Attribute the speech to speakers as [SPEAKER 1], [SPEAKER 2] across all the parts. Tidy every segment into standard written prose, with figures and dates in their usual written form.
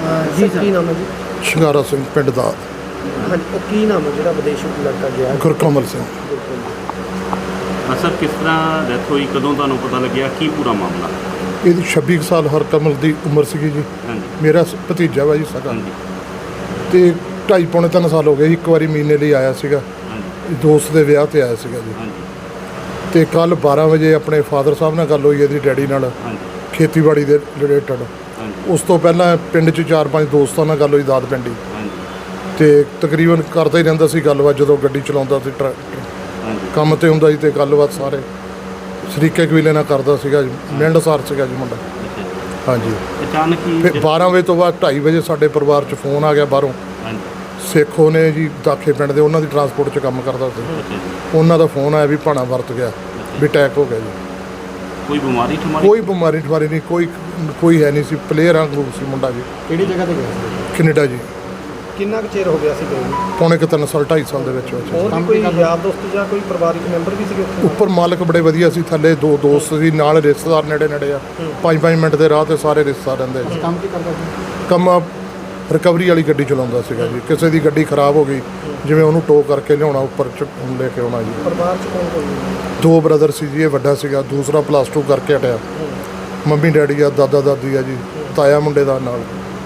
[SPEAKER 1] ਜੀ ਸਰ, ਕੀ ਨਾਮ ਹੈ ਜੀ?
[SPEAKER 2] ਸ਼ਿੰਗਾਰਾ ਸਿੰਘ ਪਿੰਡ ਦਾ
[SPEAKER 1] ਹਾਂਜੀ, ਉਹ ਕੀ ਨਾਮ ਹੈ ਜਿਹੜਾ ਵਿਦੇਸ਼ ਲੜਕਾ ਗਿਆ?
[SPEAKER 2] ਗੁਰਕਮਲ ਸਿੰਘ।
[SPEAKER 3] ਸਰ, ਕਿਸ ਤਰ੍ਹਾਂ ਡੈਥ ਹੋਈ, ਕਦੋਂ ਤੁਹਾਨੂੰ ਪਤਾ ਲੱਗਿਆ, ਕੀ ਪੂਰਾ ਮਾਮਲਾ?
[SPEAKER 2] ਇਹਦੀ 26 ਕੁ ਸਾਲ ਹਰਕਮਲ ਦੀ ਉਮਰ ਸੀਗੀ ਜੀ।
[SPEAKER 3] ਹਾਂਜੀ
[SPEAKER 2] ਮੇਰਾ ਭਤੀਜਾ ਵਾ ਜੀ ਸਗਾ।
[SPEAKER 3] ਹਾਂਜੀ
[SPEAKER 2] ਤੇ 2.5 ਪੌਣੇ 3 ਸਾਲ ਹੋ ਗਏ ਸੀ। ਇੱਕ ਵਾਰੀ ਮਹੀਨੇ ਲਈ ਆਇਆ ਸੀਗਾ,
[SPEAKER 3] ਹਾਂਜੀ
[SPEAKER 2] ਦੋਸਤ ਦੇ ਵਿਆਹ ਤੇ ਆਇਆ ਸੀਗਾ ਜੀ।
[SPEAKER 3] ਹਾਂਜੀ
[SPEAKER 2] ਤੇ ਕੱਲ 12 ਵਜੇ ਆਪਣੇ ਫਾਦਰ ਸਾਹਿਬ ਨਾਲ ਗੱਲ ਹੋਈ ਇਹਦੀ ਡੈਡੀ ਨਾਲ,
[SPEAKER 3] ਹਾਂਜੀ
[SPEAKER 2] ਖੇਤੀਬਾੜੀ ਦੇ ਰਿਲੇਟਡ।
[SPEAKER 3] ਹਾਂਜੀ
[SPEAKER 2] ਉਸ ਤੋਂ ਪਹਿਲਾਂ ਪਿੰਡ 'ਚ 4-5 ਦੋਸਤਾਂ ਨਾਲ ਗੱਲ ਹੋਈ ਦਾਦ ਪਿੰਡੀ,
[SPEAKER 3] ਹਾਂਜੀ
[SPEAKER 2] ਤੇ ਤਕਰੀਬਨ ਕਰਦਾ ਹੀ ਰਹਿੰਦਾ ਸੀ ਗੱਲਬਾਤ। ਜਦੋਂ ਗੱਡੀ ਚਲਾਉਂਦਾ ਸੀ
[SPEAKER 3] ਹਾਂਜੀ
[SPEAKER 2] ਕੰਮ ਤੇ ਹੁੰਦਾ ਸੀ ਤੇ ਗੱਲਬਾਤ ਸਾਰੇ ਸ਼ਰੀਕੇ ਕਬੀਲੇ ਨਾਲ ਕਰਦਾ ਸੀਗਾ ਜੀ। ਮਿੰਡਸਾਰ ਸੀਗਾ ਜੀ ਮੁੰਡਾ।
[SPEAKER 3] ਅੱਛਾ ਜੀ।
[SPEAKER 2] ਹਾਂਜੀ।
[SPEAKER 3] ਅਚਾਨਕ ਹੀ
[SPEAKER 2] ਫਿਰ 12 ਵਜੇ ਤੋਂ ਬਾਅਦ 2:30 ਵਜੇ ਸਾਡੇ ਪਰਿਵਾਰ 'ਚ ਫੋਨ ਆ ਗਿਆ ਬਾਹਰੋਂ।
[SPEAKER 3] ਹਾਂਜੀ
[SPEAKER 2] ਸੇਖੋ ਨੇ ਜੀ ਦਾਖੇ ਪਿੰਡ ਦੇ, ਉਹਨਾਂ ਦੀ ਟਰਾਂਸਪੋਰਟ 'ਚ ਕੰਮ ਕਰਦਾ ਸੀ।
[SPEAKER 3] ਅੱਛਾ ਜੀ।
[SPEAKER 2] ਉਹਨਾਂ ਦਾ ਫੋਨ ਆਇਆ ਵੀ ਭਾਣਾ ਵਰਤ ਗਿਆ, ਵੀ ਅਟੈਕ ਹੋ ਗਿਆ ਜੀ।
[SPEAKER 3] ਕੋਈ ਬਿਮਾਰੀ ਠਮਾਰੀ?
[SPEAKER 2] ਕੋਈ ਬਿਮਾਰੀ ਠਵਾਰੀ ਨਹੀਂ, ਕੋਈ ਹੈ ਨਹੀਂ ਸੀ। ਪਲੇਅਰ ਵਾਂਗੂ ਸੀ ਮੁੰਡਾ ਜੀ।
[SPEAKER 1] ਕਿਹੜੀ ਜਗ੍ਹਾ ਤੇ ਗਿਆ ਸੀ?
[SPEAKER 2] ਕੈਨੇਡਾ ਜੀ।
[SPEAKER 1] ਕਿੰਨਾ ਕੁ ਚਿਰ ਹੋ ਗਿਆ ਸੀ ਗਏ ਨੂੰ?
[SPEAKER 2] ਪੌਣੇ 3 ਸਾਲ 2.5 ਸਾਲ ਦੇ ਵਿੱਚ।
[SPEAKER 1] ਹੋਰ ਵੀ ਕੋਈ ਯਾਰ ਦੋਸਤ ਜਾਂ ਕੋਈ ਪਰਿਵਾਰਿਕ ਮੈਂਬਰ ਵੀ ਸੀਗੇ ਉੱਥੇ?
[SPEAKER 2] ਉੱਪਰ ਮਾਲਕ ਬੜੇ ਵਧੀਆ ਸੀ, ਥੱਲੇ 2 ਦੋਸਤ ਸੀ, ਨਾਲ ਰਿਸ਼ਤੇਦਾਰ ਨੇੜੇ ਆ। 5-5 ਮਿੰਟ ਦੇ ਰਾਹ ਤੇ ਸਾਰੇ ਰਿਸ਼ਤੇਦਾਰ ਰਹਿੰਦੇ ਸੀ।
[SPEAKER 1] ਕੰਮ ਕੀ ਕਰਦਾ ਸੀ?
[SPEAKER 2] ਕੰਮ ਰਿਕਵਰੀ ਵਾਲੀ ਗੱਡੀ ਚਲਾਉਂਦਾ ਸੀਗਾ ਜੀ। ਕਿਸੇ ਦੀ ਗੱਡੀ ਖਰਾਬ ਹੋ ਗਈ, ਜਿਵੇਂ ਉਹਨੂੰ ਟੋ ਕਰਕੇ ਲਿਆਉਣਾ, ਉੱਪਰ ਲੈ ਕੇ ਆਉਣਾ ਜੀ।
[SPEAKER 1] ਪਰਿਵਾਰ 'ਚ ਕੌਣ ਕੌਣ ਹੈ?
[SPEAKER 2] 2 ਬ੍ਰਦਰ ਸੀ ਜੀ। ਇਹ ਵੱਡਾ ਸੀਗਾ, ਦੂਸਰਾ +2 ਕਰਕੇ ਹਟਿਆ। ਮੰਮੀ ਡੈਡੀ ਆ, ਦਾਦਾ ਦਾਦੀ ਆ ਜੀ, ਤਾਇਆ ਮੁੰਡੇ ਦਾ ਨਾਲ।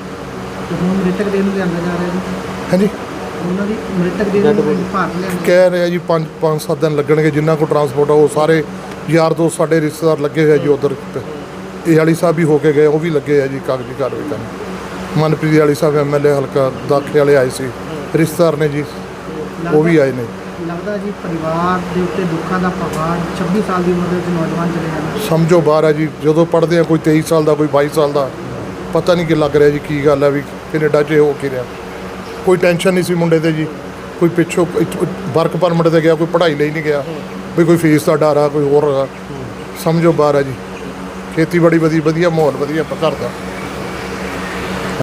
[SPEAKER 1] ਹੁਣ ਮ੍ਰਿਤਕ ਦੇਹ ਨੂੰ ਲਿਆਂਦਾ ਜਾ ਰਿਹਾ ਜੀ?
[SPEAKER 2] ਹਾਂਜੀ,
[SPEAKER 1] ਉਹਨਾਂ ਦੀ ਮ੍ਰਿਤਕ ਦੇਹ ਨੂੰ ਭਾਰਤ ਲਿਆਂਦਾ?
[SPEAKER 2] ਕਹਿ ਰਹੇ ਆ ਜੀ 5-7 ਦਿਨ ਲੱਗਣਗੇ। ਜਿੰਨਾ ਕੋ ਟਰਾਂਸਪੋਰਟ ਆ ਉਹ ਸਾਰੇ ਯਾਰ ਦੋਸਤ ਸਾਡੇ ਰਿਸ਼ਤੇਦਾਰ ਲੱਗੇ ਹੋਏ ਜੀ ਉੱਧਰ। ਇਹ ਵਾਲੀ ਸਾਹਿਬ ਵੀ ਹੋ ਕੇ ਗਏ, ਉਹ ਵੀ ਲੱਗੇ ਆ ਜੀ ਕਾਗਜ਼ੀ ਕਾਰਵਾਈ ਕਰਨ। ਮਨਪ੍ਰੀਤ ਵਾਲੀ ਸਾਹਿਬ MLA ਹਲਕਾ ਦਾਖੇ ਵਾਲੇ ਆਏ ਸੀ, ਰਿਸ਼ਤੇਦਾਰ ਨੇ ਜੀ, ਉਹ ਵੀ ਆਏ ਨੇ।
[SPEAKER 1] ਲੱਗਦਾ ਜੀ ਪਰਿਵਾਰ ਦੇ ਉੱਤੇ ਦੁੱਖਾਂ ਦਾ ਪਹਾੜ 26 ਸਾਲ ਦੀ ਉਮਰ ਦੇ ਵਿੱਚ ਨੌਜਵਾਨ ਚਲੇ ਜਾਣਾ
[SPEAKER 2] ਸਮਝੋ ਬਾਹਰ ਆ ਜੀ। ਜਦੋਂ ਪੜ੍ਹਦੇ ਆ ਕੋਈ 23 ਸਾਲ ਦਾ, ਕੋਈ 22 ਸਾਲ ਦਾ, ਪਤਾ ਨਹੀਂ ਕਿ ਲੱਗ ਰਿਹਾ ਜੀ ਕੀ ਗੱਲ ਹੈ ਵੀ ਕੈਨੇਡਾ 'ਚ ਹੋ ਕੀ ਰਿਹਾ। ਕੋਈ ਟੈਨਸ਼ਨ ਨਹੀਂ ਸੀ ਮੁੰਡੇ ਤੇ ਜੀ। ਕੋਈ ਪਿੱਛੋਂ ਵਰਕ ਪਰਮਿਟ ਤੇ ਗਿਆ, ਕੋਈ ਪੜ੍ਹਾਈ ਲਈ ਨਹੀਂ ਗਿਆ, ਵੀ ਕੋਈ ਫੀਸ ਦਾ ਡਰ ਆ, ਕੋਈ ਹੋਰ ਆ। ਸਮਝੋ ਬਾਹਰ ਆ ਜੀ। ਖੇਤੀਬਾੜੀ ਵਧੀਆ ਮਾਹੌਲ ਵਧੀਆ ਘਰ ਦਾ।